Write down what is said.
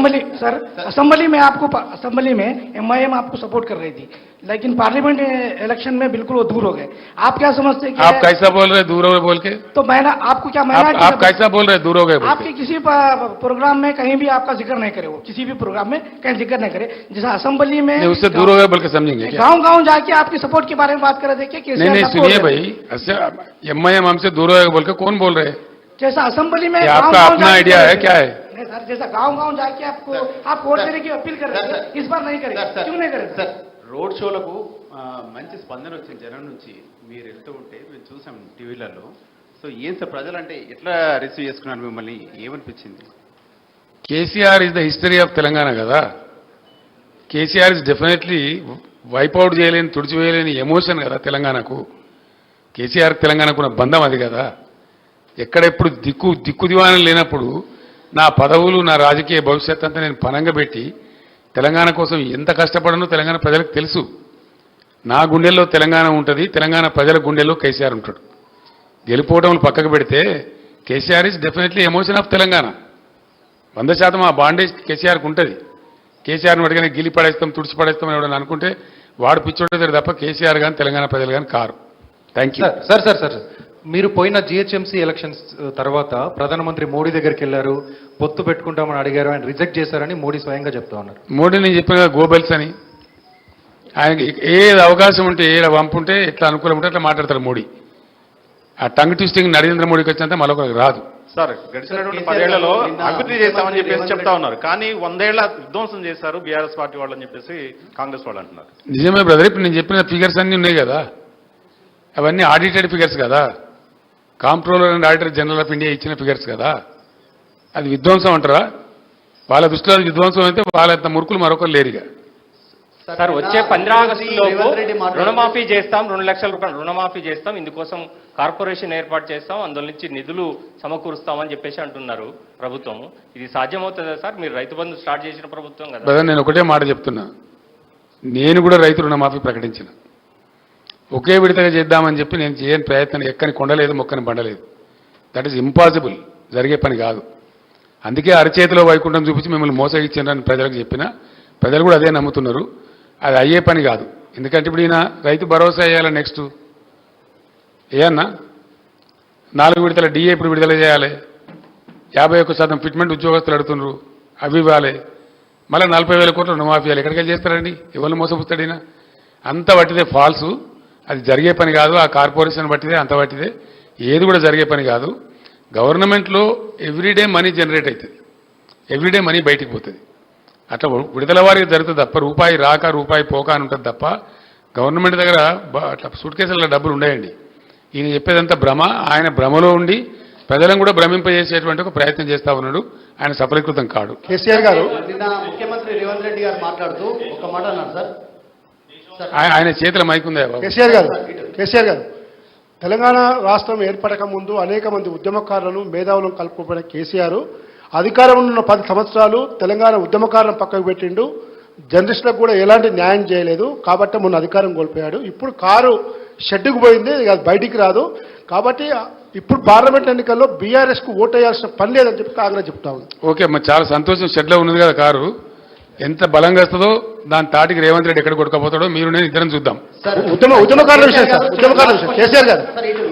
Assembly में MIM आपको support कर रही थी, लेकिन पार्लियामेंट इलेक्शन में बिल्कुल वो दूर हो गए। आप क्या समझते हैं? आप कैसा बोल रहे दूर हो गए बोल के? तो मैंने आपको क्या आप कैसा बोल रहे दूर हो गए? आपके किसी प्रोग्राम में कहीं भी आपका जिक्र नहीं करे, वो किसी भी प्रोग्राम में कहीं जिक्र नहीं करे, जैसा असेंबली में उससे दूर हो गए बोल के समझेंगे? गांव-गांव जाके आपकी सपोर्ट के बारे में बात कर रहे थे कि नहीं सुनिए भाई, MIM हमसे दूर हो गए बोल के कौन बोल रहे हैं? जैसा असेंबली में आपका अपना आइडिया है क्या है? नहीं सर, जैसा गांव-गांव जाके आप वोट देने की अपील कर रहे थे, इस बार नहीं करेंगे, क्यों नहीं करेंगे? సార్ రోడ్ షోలకు మంచి స్పందన వచ్చింది జనం నుంచి, మీరు వెళ్తూ ఉంటే మేము చూసాం టీవీలలో. సో ఏం సార్ ప్రజలంటే ఎట్లా రిసీవ్ చేసుకున్నారు మిమ్మల్ని, ఏమనిపించింది? KCR is the history of Telangana కదా. కేసీఆర్ ఇస్ డెఫినెట్లీ వైపౌట్ చేయలేని, తుడిచివేయలేని ఎమోషన్ కదా తెలంగాణకు. కేసీఆర్ తెలంగాణకు ఉన్న బంధం అది కదా. ఎక్కడెప్పుడు దిక్కు దివాణం లేనప్పుడు నా పదవులు, నా రాజకీయ భవిష్యత్ అంతా నేను పనంగా పెట్టి తెలంగాణ కోసం ఎంత కష్టపడనో తెలంగాణ ప్రజలకు తెలుసు. నా గుండెల్లో తెలంగాణ ఉంటుంది, తెలంగాణ ప్రజల గుండెల్లో కేసీఆర్ ఉంటాడు. గెలిపోవటం పక్కకు పెడితే KCR is definitely emotion of Telangana. 100% ఆ బాండేజ్ కేసీఆర్కి ఉంటుంది. కేసీఆర్ని అడిగిన గిలి పడేస్తాం, తుడిచి పడేస్తాం అని ఎవడని అనుకుంటే వాడు పిచ్చోడేది తప్ప కేసీఆర్ కానీ తెలంగాణ ప్రజలు కానీ కారు. Thank you. సార్ మీరు పోయిన GHMC ఎలక్షన్స్ తర్వాత ప్రధానమంత్రి మోడీ దగ్గరికి వెళ్ళారు, పొత్తు పెట్టుకుంటామని అడిగారు, ఆయన రిజెక్ట్ చేశారని మోడీ స్వయంగా చెప్తా ఉన్నారు. మోడీ నేను చెప్పిన కదా గోబెల్స్ అని. ఆయనకి ఏది అవకాశం ఉంటే, ఏడ వంపుంటే, ఎట్లా అనుకూలం ఉంటే అట్లా మాట్లాడతారు మోడీ. ఆ టంగ్ ట్విస్టింగ్ నరేంద్ర మోడీకి వచ్చినంత మరొకరికి రాదు. సార్ గడిచినటువంటి 10 ఏళ్లలో అభివృద్ధి చేస్తామని చెప్పేసి చెప్తా ఉన్నారు, కానీ 100 ఏళ్ల విధ్వంసం చేశారు బీఆర్ఎస్ పార్టీ వాళ్ళని చెప్పేసి కాంగ్రెస్ వాళ్ళు అంటున్నారు. నిజమే బ్రదర్, ఇప్పుడు నేను చెప్పిన ఫిగర్స్ అన్నీ ఉన్నాయి కదా, అవన్నీ ఆడిటెడ్ ఫిగర్స్ కదా. Comptroller and auditor general of India ఇచ్చిన ఫిగర్స్ కదా. అది విధ్వంసం అంటారా? వాళ్ళ దృష్టిలో అది విధ్వంసం అయితే వాళ్ళంత మురుకులు మరొకరు లేరుగా. సార్ వచ్చే 15 ఆగస్టులోపు రుణమాఫీ చేస్తాం, 2 లక్షల రూపాయలు రుణమాఫీ చేస్తాం, ఇందుకోసం కార్పొరేషన్ ఏర్పాటు చేస్తాం, అందులో నుంచి నిధులు సమకూరుస్తామని చెప్పేసి అంటున్నారు ప్రభుత్వం. ఇది సాధ్యమవుతుందా సార్? మీరు రైతు బంధు స్టార్ట్ చేసిన ప్రభుత్వం కదా. బ్రదర్ నేను ఒకటే మాట చెప్తున్నా, నేను కూడా రైతు రుణమాఫీ ప్రకటించిన. ఒకే విడతగా చేద్దామని చెప్పి నేను చేయని ప్రయత్నం ఎక్కని కొండలేదు, మొక్కని బండలేదు. దట్ ఈస్ ఇంపాసిబుల్, జరిగే పని కాదు. అందుకే అరచేతిలో వైకుంఠం చూపించి మిమ్మల్ని మోసగించారని ప్రజలకు చెప్పిన, ప్రజలు కూడా అదే నమ్ముతున్నారు. అది అయ్యే పని కాదు. ఎందుకంటే ఇప్పుడు ఈయన రైతు భరోసా వేయాలి, నెక్స్ట్ ఏయన్నా 4 విడతల DA ఇప్పుడు విడుదల చేయాలి, 51% ఫిట్మెంట్ ఉద్యోగస్తులు అడుగుతున్నారు, అవి ఇవ్వాలి, మళ్ళీ 40,000 కోట్ల రుణమాఫీ ఇవ్వాలి. ఎక్కడికి చేస్తారండి? ఎవరిని మోసపుస్తాడైనా? అంత పట్టిదే ఫాల్సు, అది జరిగే పని కాదు. ఆ కార్పొరేషన్ బట్టిదే, అంత బట్టిదే, ఏది కూడా జరిగే పని కాదు. గవర్నమెంట్లో ఎవ్రీడే మనీ జనరేట్ అవుతుంది, ఎవ్రీడే మనీ బయటికి పోతుంది. అట్లా విడుదల వారికి జరుగుతుంది తప్ప రూపాయి రాక రూపాయి పోక అని ఉంటుంది తప్ప గవర్నమెంట్ దగ్గర అట్లా సూట్ కేసుల డబ్బులు ఉండయండి. ఈయన చెప్పేదంతా భ్రమ. ఆయన భ్రమలో ఉండి ప్రజలను కూడా భ్రమింపజేసేటువంటి ఒక ప్రయత్నం చేస్తా ఉన్నాడు. ఆయన సఫలీకృతం కాడు. కేసీఆర్ గారు నిన్న ముఖ్యమంత్రి రేవంత్ రెడ్డి గారు మాట్లాడుతూ ఒక మాట అన్నారు సార్. ఆయన చేతుల మైక్ ఉందా? కేసీఆర్ గారు తెలంగాణ రాష్ట్రం ఏర్పడక ముందు అనేక మంది ఉద్యమకారులను, మేధావులను కలుపుకుపోయిన కేసీఆర్ అధికారంలో ఉన్న 10 సంవత్సరాలు తెలంగాణ ఉద్యమకారులను పక్కకు పెట్టిండు. జర్నలిస్టులకు కూడా ఎలాంటి న్యాయం చేయలేదు. కాబట్టి మొన్న అధికారం కోల్పోయాడు. ఇప్పుడు కారు షెడ్డుకు పోయింది, అది బయటికి రాదు. కాబట్టి ఇప్పుడు పార్లమెంట్ ఎన్నికల్లో బీఆర్ఎస్కు ఓటు వేయాల్సిన పని లేదని చెప్పి కాంగ్రెస్ చెప్తా ఉంది. ఓకే, మరి చాలా సంతోషం. షెడ్లో ఉన్నది కదా కారు, ఎంత బలంగా వస్తుందో దాని తాటికి రేవంత్ రెడ్డి ఎక్కడ కొట్టుకపోతాడో మీరు నేను ఇద్దరం చూద్దాం. ఉద్యమకారుల విషయం సార్, కేసీఆర్ గారు